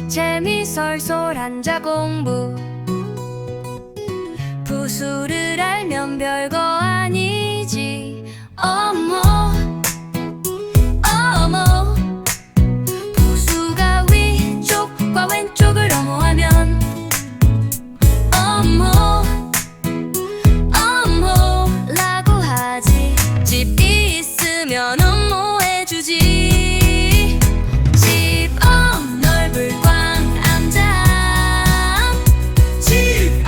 재미설솔 한자 공부. 부수를 알면 별거 아니지. 어머 어머, 부수가 위쪽과 왼쪽을 어머하면 어머 어머 라고 하지. 집 있으면 업무해주지. 집 넓을 광암장. 집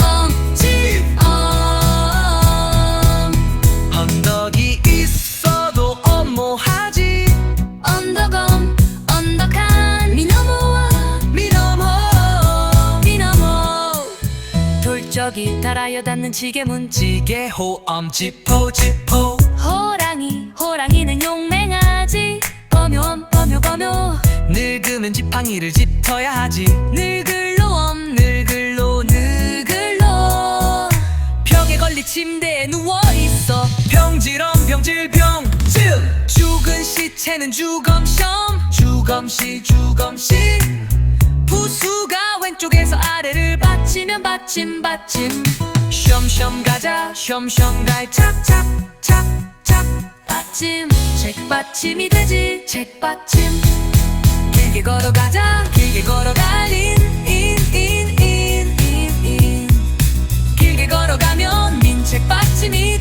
언덕이 있어도 업무하지. 언덕엄 언덕한 미너모와 미너모. 돌적이 달아여 닿는 지게문. 지게호엄 지포. 호랑이는 용맹하지. 범요엄 범요. 늙으면 지팡이를 짚어야 하지. 느글로엄 느글로. 벽에 걸린 침대에 누워있어. 병질. 죽은 시체는 주검시험. 주검시. 부수가 왼쪽에서 아래를 받치면 받침. 쉬엄쉬엄 가자. 쉬엄쉬엄 갈 착착. 받침. 책받침이 되지. 책받침. 길게 걸어가자. 길게 걸어갈 인. 길게 걸어가면 민책받침이